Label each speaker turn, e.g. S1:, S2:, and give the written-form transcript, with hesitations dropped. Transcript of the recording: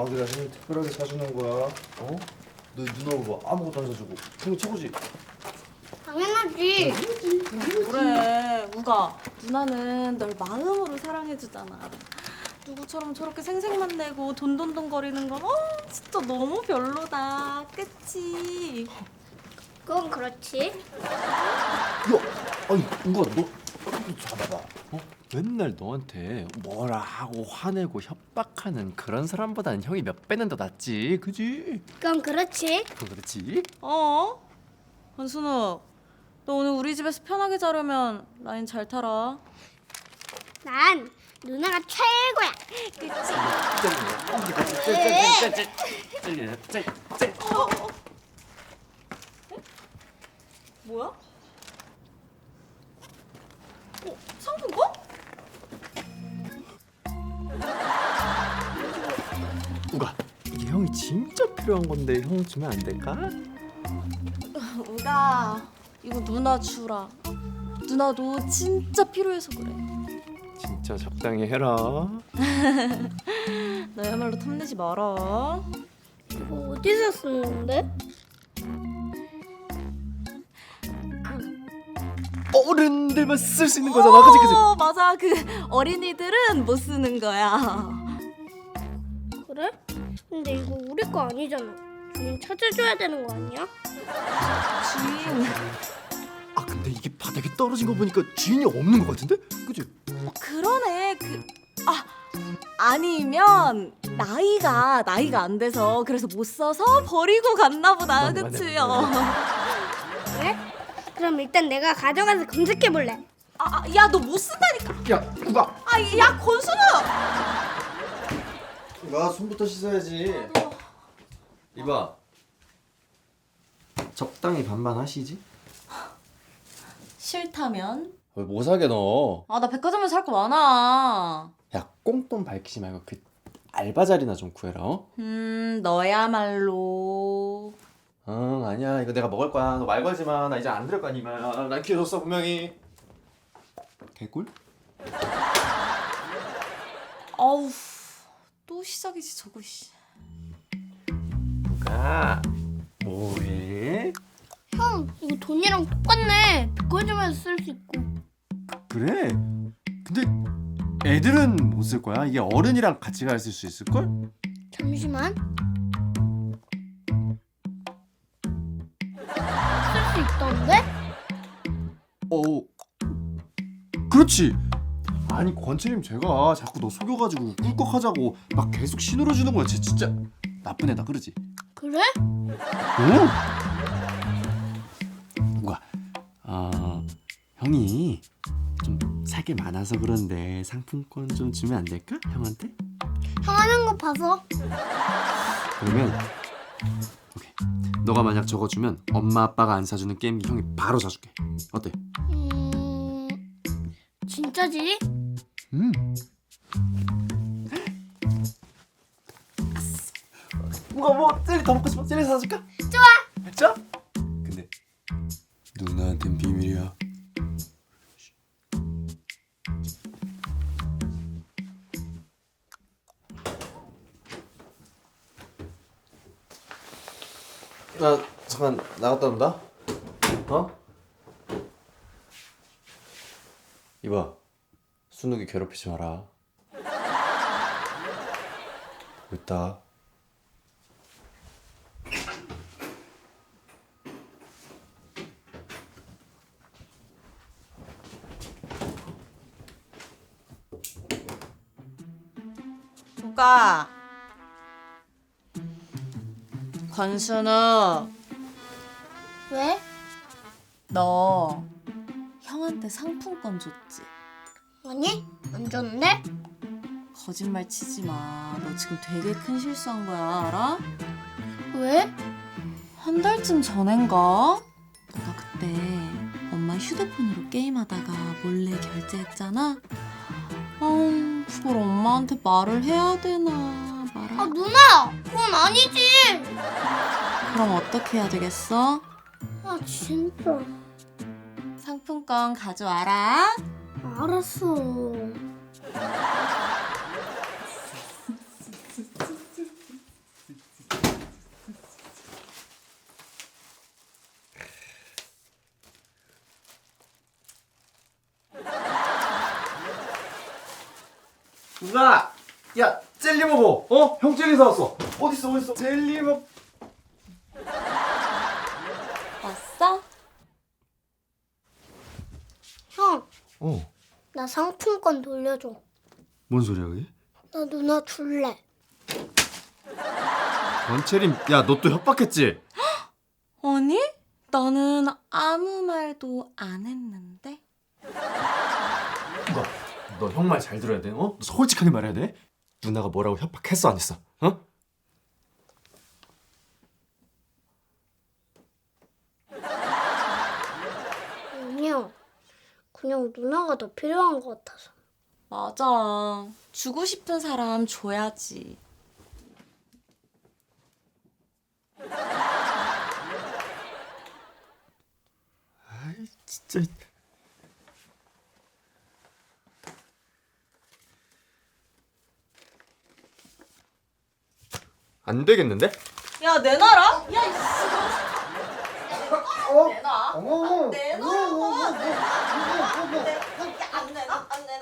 S1: 아들아 생일 특별하게 사주는 거야. 어? 너 누나 봐 아무것도 안 사주고 생일 최고지?
S2: 당연하지.
S3: 그래 우가 누나는 널 마음으로 사랑해주잖아. 누구처럼 저렇게 생색만 내고 돈돈돈거리는 건 진짜 너무 별로다. 그치?
S2: 그건 그렇지.
S1: 야, 아니 누가 너 잡아봐. 어? 맨날 너한테 뭐라 하고 화내고 협박하는 그런 사람보다는 형이 몇 배는 더 낫지, 그지?
S2: 그건 그렇지.
S1: 그렇지?
S3: 권순욱 너 오늘 우리 집에서 편하게 자려면 라인 잘 타라.
S2: 난 누나가 최고야. 그치?
S3: 뭐야? 상품권?
S1: 우가 이게 형이 진짜 필요한 건데 형 주면 안 될까?
S3: 우가 이거 누나 주라. 누나도 진짜 필요해서 그래.
S1: 진짜 적당히 해라.
S3: 너야말로 탐내지 마라.
S2: 이거 어디서 쓰는데?
S1: 어른들만 쓸 수 있는 거잖아, 그지 그지?
S3: 맞아. 그 어린이들은 못 쓰는 거야.
S2: 그래? 근데 이거 우리 거 아니잖아. 주인 찾아줘야 되는 거 아니야?
S3: 주인.
S1: 아 근데 이게 바닥에 떨어진 거 보니까 주인이 없는 거 같은데? 그지?
S3: 그러네. 아니면 나이가 안 돼서 그래서 못 써서 버리고 갔나 보다.
S1: 맞네,
S3: 그치요?
S2: 그래? 그럼 일단 내가 가져가서 검색해 볼래.
S3: 야 너 못 쓴다니까.
S1: 야 우가
S3: 야 권순우.
S1: 우가 손부터 씻어야지. 이봐 적당히 반반 하시지?
S3: 싫다면?
S1: 왜 뭐 사게 너?
S3: 나 백화점에서 살 거 많아.
S1: 야 꽁돈 밝히지 말고 그 알바 자리나 좀 구해라. 어?
S3: 너야말로.
S1: 응 아니야 이거 내가 먹을 거야. 너 말 걸지 마. 나 이제 안 들을 거 아니야. 난 키워줬어 분명히. 개꿀?
S3: 아우 또 시작이지 저거. 씨.
S1: 우가 뭐해?
S2: 형, 이거 돈이랑 똑같네. 백화점에서 쓸 수 있고.
S1: 그래? 근데 애들은 못 쓸 거야? 이게 어른이랑 같이 갈 수 있을걸?
S2: 잠시만. 쓸 수 있던데?
S1: 그렇지. 아니 권채님 제가 자꾸 너 속여가지고 꿀꺽하자고 막 계속 신호를 주는 거야. 쟤 진짜 나쁜 애다 그러지?
S2: 그래?
S1: 오? 우가 형이 좀 살 게 많아서 그런데 상품권 좀 주면 안 될까? 형한테?
S2: 형 하는 거 봐서.
S1: 그러면 오케이. 너가 만약 저거 주면 엄마 아빠가 안 사주는 게임기 형이 바로 사줄게. 어때?
S2: 진짜지?
S1: 누가 뭐 젤리 더 먹고 싶어? 젤리 사줄까?
S2: 좋아.
S1: 진짜? 근데 누나한텐 비밀이야. 나 잠깐 나갔다 온다. 어? 이봐, 순욱이 괴롭히지 마라. 있다.
S3: 우가 권순우
S2: 왜?
S3: 너 형한테 상품권 줬지?
S2: 아니? 안 줬는데?
S3: 거짓말 치지 마. 너 지금 되게 큰 실수한 거야, 알아?
S2: 왜?
S3: 한 달쯤 전엔가? 너가 그때 엄마 휴대폰으로 게임하다가 몰래 결제했잖아? 그걸 엄마한테 말을 해야 되나 말아?
S2: 누나! 그건 아니지!
S3: 그럼 어떻게 해야 되겠어?
S2: 진짜.
S3: 상품권 가져와라.
S2: 알았어.
S1: 누나, 야 젤리 먹어. 어? 형 젤리 사왔어. 어딨어? 젤리 먹.
S3: 왔어?
S2: 형,
S1: 어.
S2: 나 상품권 돌려줘.
S1: 뭔 소리야 그게?
S2: 나 누나 줄래.
S1: 원채림, 야 너 또 협박했지?
S3: 아니? 나는 아무 말도 안 했는데.
S1: 너 형 말 잘 들어야 돼. 어? 너 솔직하게 말해야 돼. 누나가 뭐라고 협박했어 안 했어? 어?
S2: 아니야. 그냥 누나가 더 필요한 것 같아서.
S3: 맞아. 주고 싶은 사람 줘야지.
S1: 아이 진짜. 안 되겠는데?
S3: 야, 내놔라. 야, 이씨. 내놔. 내놔라고. 안 내놔. 안 내놔.